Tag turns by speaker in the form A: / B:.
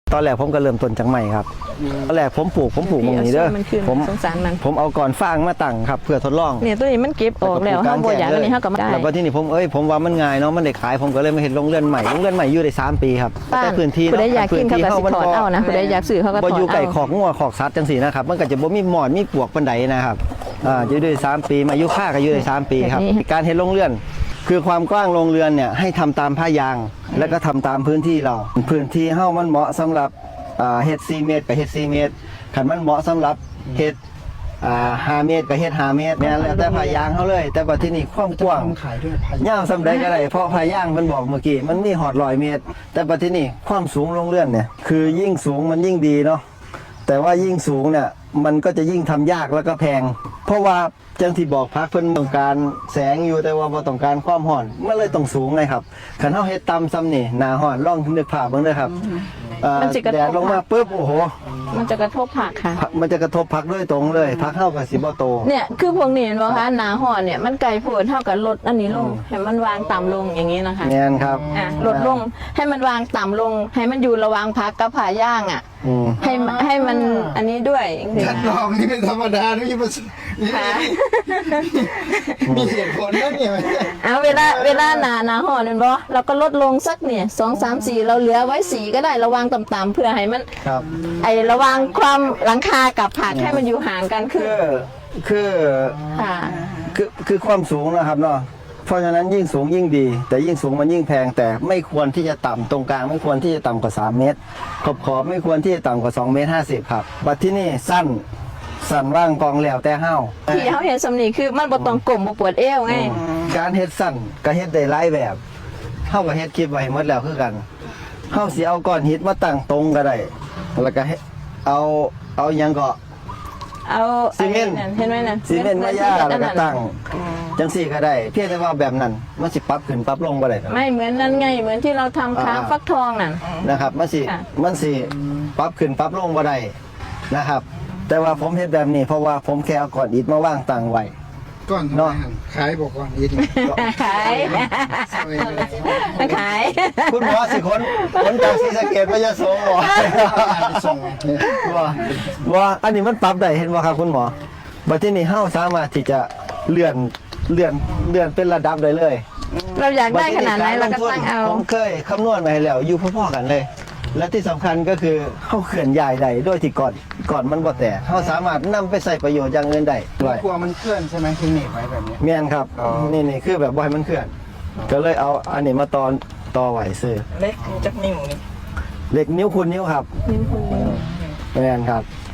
A: ตอนแรกผมก็เริ่มต้นจากใหม่ครับตอนแรกผมปลูกตรงนี้เด้อผม
B: สงสารมัน
A: ผมเอาก่อนฟางมาตั้งครับเพื่อทดลอง
B: เนี่ยตัวนี้มันเก็บออกแล้วเฮาบ่อยากอันนี้เฮาก็ไม่ได้
A: แล้วก็ที่นี่ผมว่ามันง่ายเนาะมันได้ขายผมก็เลยมาเห็นโรงเรือนใหม่อยู่ได้3 ปีครับแต่พื้นที่
B: ผู้ใดอยากกินเขาก็สิถอดเอานะผู้ใดอยากซื้อเขาก็ถอดเอา
A: บ่อยู่ไก่ขอกงัวขอกสัตว์จังซี่นะครับมันก็จะบ่มีหมอนมีปลวกปานใดนะครับอยู่ได้3 ปีมายุค่าก็อยู่ได้3 ปีครับการเฮ็ดโรงเรือนคือความกว้างโรงเรือนเนี่ยให้ทำตามผ้ายางแล้วก็ทำตามพื้นที่เราพื้นที่เฮ้ามันเหมาะสำหรับเฮ็ด4 เมตรกับเฮ็ด4 เมตรคันมันเหมาะสำหรับเฮ็ด5 เมตรกับเฮ็ด5 เมตรเนี่ยแล้วแต่ผ้ายางเขาเลยแต่ว่าที่นี่ความกว้างยาวสำใดก็ได้เพราะผ้ายางมันบอกเมื่อกี้มันมีหอด100 เมตรแต่ว่าที่นี่ความสูงโรงเรือนเนี่ยคือยิ่งสูงมันยิ่งดีเนาะแต่ว่ายิ่งสูงเนี่ยมันก็จะยิ่งทำยากแล้วก็แพงเพราะว่าจังที่บอกพักเพิ่นต้องการแสงอยู่แต่ว่าบ่ต้องการความร้อนมันเลยต้องสูงไงครับคันเฮาเฮ็ดต่ำซ้ำนี่หน้าร้อนลองนึกภาพเบิ่งเด้อครับแดดลงมาปุ๊บโอ้โห
B: มันจะกระทบผักค่ะ
A: มันจะกระทบผักด้วยตรงเลยผักเฮาก็สิบ่โต
B: เนี่ยคือพวกนี้เห็นบ่คะหน้าร้อนเนี่ยมันไกลโพดเท่ากับลดอันนี้ลงให้มันวางต่ำลงอย่างนี้นะคะ
A: แม่นครับ
B: ลดลงให้มันวางต่ำลงให้มันอยู่ระหว่างผักกับผ่าย่างให้มันอันนี้ด้วย
C: คัดลองนี่เป็นธรรมดาไม่ใช่มีเหตุผลนะเนี่ย
B: เวลาหนาห่อเนี่ยบ่เราก็ลดลงสักเนี่ย2 3 4เราเหลือไว้4ก็ได้ระวังต่ำๆเพื่อให้มันระวังความหลังคากับผักให้มันอยู่ห่างกัน
A: คือความสูงนะครับเนาะเพราะฉะนั้นยิ่งสูงยิ่งดีแต่ยิ่งสูงมันยิ่งแพงแต่ไม่ควรที่จะต่ำตรงกลางไม่ควรที่จะต่ำกว่า3 เมตรขอบไม่ควรที่จะต่ำกว่า2 เมตร 50ครับบัดที่นี่สั้นว่างกองแล้วแต่เฮา
B: ที่เฮาเห็นสำนีคือมันบ่ต้องกลมบ่ปวดเอวไง
A: การเฮ็ดสั้นก็เฮ็ดได้หลายแบบเฮาก็เฮ็ดคลิปไว้หมดแล้วคือกันเฮาสิเอาก้อนหินมาตั้งตรงก็ได้แล้วก็เอาหยังก็
B: เอา
A: ซีเมนต์
B: เห็นไหมน่ะ
A: ซีเมนต์มาย่าแล้วก็ตั้งจังซี่ก็ได้เพียงแต่ว่าแบบนั้นมันสิปรับขึ้นปรับลงบ่ได้
B: ไม่เหมือนนั้นไงเหมือนที่เราทำค้าฟักทองนั่น
A: นะครับมันสิปรับขึ้นปรับลงบ่ได้นะครับแต่ว่าผมเฮ็ดแบบนี้เพราะว่าผมแค่เอาก้อนอิฐมาวางตั้งไว้
C: ก้อนเนาะขายบอกก้อนอิฐ
B: ขาย
A: คุณหมอสิคนจากศรีสะเกษมาจะส่งหมอว่าอันนี้มันปรับได้เห็นบ่ครับคุณหมอบัดที่นี่เฮาสามารถที่จะเลื่อนเป็นระดับได้เลย
B: เราอยากได้ขนาดไหนเราก็ตั้งเอา
A: ผมเคยคำนวณมาให้แล้วอยู่พอๆกันเลยและที่สำคัญก็คือเขาเขื่อนใหญ่ใดด้วยที่ก่อนมันบ่แตกเขาสามารถนำไปใส่ประโยชน์อย่างอื่นได้ด้วย
C: กลัวมันเคลื่อนใช่ไหมที่หนีบไว้แบบนี้
A: แม่นครับนี่คือแบบบ่ให้มันเคลื่อนก็เลยเอาอันนี้มาต่อไหวซื้อ
B: เล็กจักนิ้วนี่
A: เล็กนิ้วคูณนิ้วครับ
B: นิ้วคูณนิ้ว
A: แม่นครับ